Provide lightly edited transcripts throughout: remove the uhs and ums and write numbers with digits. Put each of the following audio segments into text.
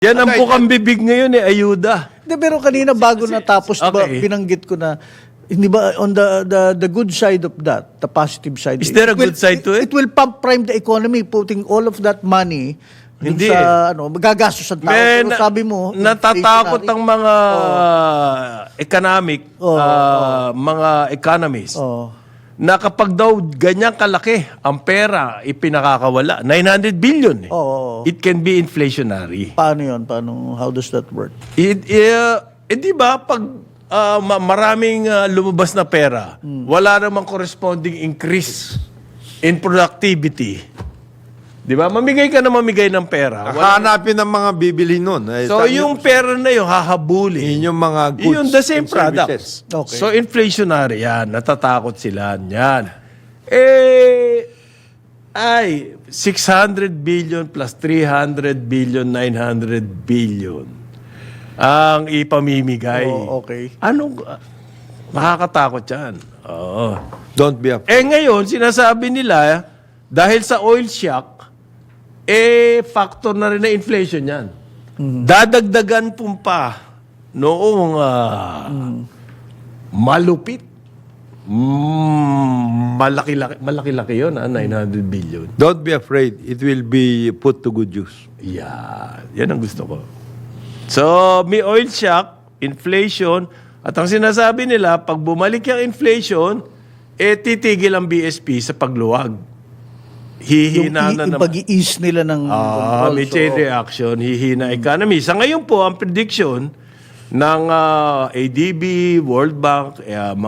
Yan ang bukang bibig ngayon ayuda. Hindi, pero kanina bago natapos, okay. binanggit ko na, hindi ba, on the good side of that, the positive side. Is there a good side to it? It will pump prime the economy, putting all of that money dun Hindi sa, magagastos sa tao. Pero sabi mo, natatakot inflationary. ang mga mga economists na kapag daw ganyang kalaki ang pera ipinakakawala, 900 billion. It can be inflationary. Paano yun? How does that work? Di ba, pag maraming lumabas na pera, wala namang corresponding increase in productivity. Di ba? Mamigay ka na mamigay ng pera. Hanapin ng mga bibili nun. So, yung pera na yun, hahabulin. Yung mga goods Yung the same and services. products. Okay. So, inflationary yan. Natatakot sila yan. 600 billion plus 300 billion, 900 billion ang ipamimigay. Okay. Anong, makakatakot yan. Oo. Don't be afraid. Ngayon, sinasabi nila, dahil sa oil shock, factor na rin na inflation yan. Dadagdagan pa noong malupit. Malaki-laki yun, 900 billion. Don't be afraid. It will be put to good use. Yan ang gusto ko. So, may oil shock, inflation, at ang sinasabi nila, pag bumalik yung inflation, titigil ang BSP sa pagluwag. Hihina na yung naman. pag-i-ease nila ng control. May chain reaction, hihina economy. Sa ngayon po, ang prediction ng ADB, World Bank,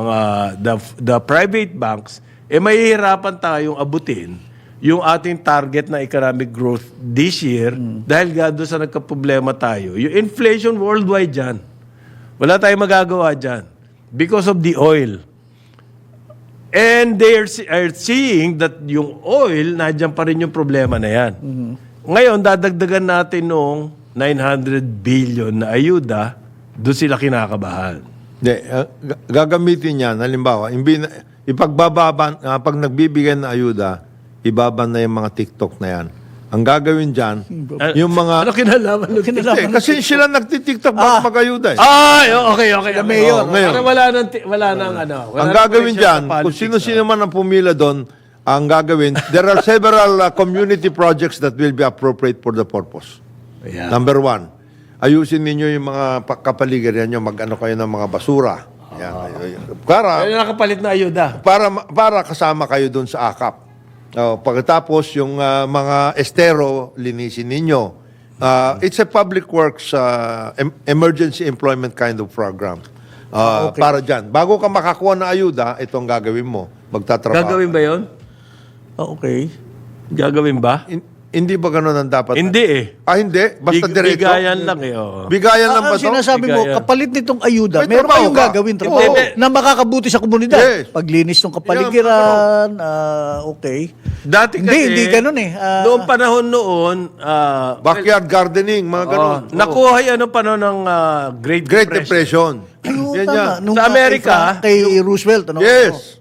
the private banks, mahihirapan tayong abutin yung ating target na economic growth this year dahil doon sa nagkaproblema tayo. Yung inflation worldwide dyan, wala tayong magagawa dyan because of the oil. And they are seeing that yung oil, nadyan pa rin yung problema na yan. Ngayon, dadagdagan natin nung 900 billion na ayuda, doon sila kinakabahan. Gagamitin yan, halimbawa, pag nagbibigay ng ayuda, ibaban na yung mga TikTok na yan. Ang gagawin dyan, yung mga... Ano kinalaman? Kasi sila nagtitiktok bago mag-ayuda. Okay. Mayor. Ngayon. Wala nang Ang gagawin dyan, kung sino-sino man ang pumila doon, ang gagawin, there are several community projects that will be appropriate for the purpose. Yeah. Number one, ayusin ninyo yung mga kapaligiran nyo, mag-ano kayo ng mga basura. Ano nakapalit na ayuda? Para kasama kayo doon sa AKAP. Pagkatapos, yung mga estero, linisin ninyo. It's a public works emergency employment kind of program. Para dyan. Bago ka makakuha ng ayuda, itong gagawin mo. Magtatrabaho. Gagawin ba yun? Okay. Gagawin ba? Hindi ba ganun ang dapat? Hindi Hindi? Basta diretso? Bigayan lang Bigayan lang ba Ang ito? sinasabi mo, Bigayan. kapalit nitong ayuda, May meron trabaho kayong ka. gagawin trabaho Hindi. na makakabuti sa komunidad. Yes. Paglinis ng kapaligiran, okay. Dati kasi, Hindi ganun eh. noong panahon noon, Backyard gardening, mga ganun. nakuha yan noong panahon ng Great Depression. Ayun, Yan tama. yan. Nung Sa Amerika, kay Roosevelt, ano? Yes.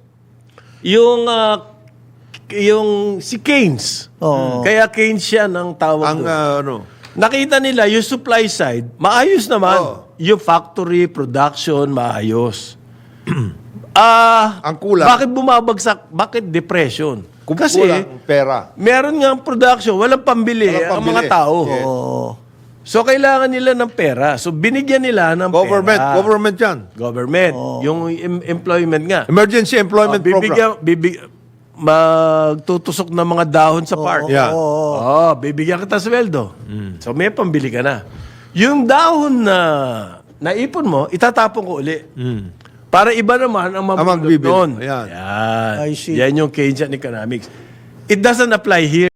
Yung si Keynes. Kaya Keynes siya ng tawag doon. Nakita nila yung supply side, maayos naman. Yung factory, production, maayos. Ang kulang. Bakit bumabagsak? Bakit depression? Kasi Kulang pera. meron nga production, walang pambili, Walang ang pambili. mga tao. Yes. So kailangan nila ng pera. So binigyan nila ng pera. Government yan. Government. Yung employment nga. Emergency employment program. Magtutusok ng mga dahon sa park. Yeah. Bibigyan kita sweldo. So may pambili ka na. Yung dahon na naipon mo, itatapon ko uli. Para iba naman ang magbibili. doon. Ayan. Yan. I see. Yan yung Keynesian economics. It doesn't apply here.